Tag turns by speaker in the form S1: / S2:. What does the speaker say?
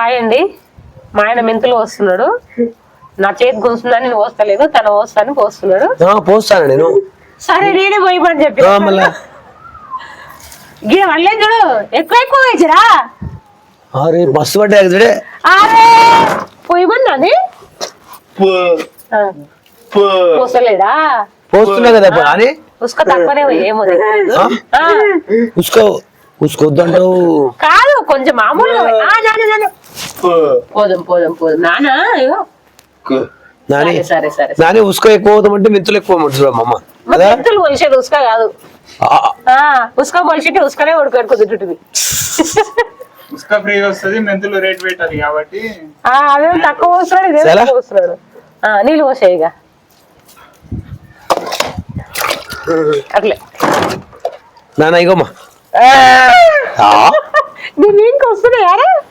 S1: Hi అండి. మా ఆయన మెంతులు పోస్తున్నాడు. నా చేతి కోస్తుందని నేను పోస్తలేదు, తన పోస్తాను పోస్తున్నాడు.
S2: పోస్తాను నేను.
S1: సరే నేనే పోయమని చెప్పి మళ్ళీ చూడు ఎక్కువ వేసిరా.
S2: అరే బస్సు పడ్డా చూడే.
S1: అరే పోయమన్నాని పోస్తలేడా?
S2: పోస్తున్నా కదా అని
S1: ఉసుక తక్కువనే ఏమో
S2: ఉసుకోద్దంటావు
S1: కాదు, కొంచెం మామూలుగా పోదాం పోదాం పోదాం నానా. సరే సరే
S2: నాని ఉసుక ఎక్కువ అవుతామంటే మెంతులు ఎక్కువ అమ్మ.
S1: మెంతులు మొలిసేది ఉసుక కాదు, ఉసుక మొలిసితే ఉసుకనే ఉడకడుకుంటుంది.
S3: ఉసుక ఫ్రీగా వస్తుంది, మెంతులు రేట్ పెట్టాలి కాబట్టి
S1: అదేం తక్కువ పోస్తున్నాడు, ఇదేం తక్కువ పోస్తున్నాడు. నీళ్ళు పోసాయి ఇక అట్లే
S2: నాన్న ఇగోమ్మా
S1: నేను ఇంక వస్తున్నాయారా.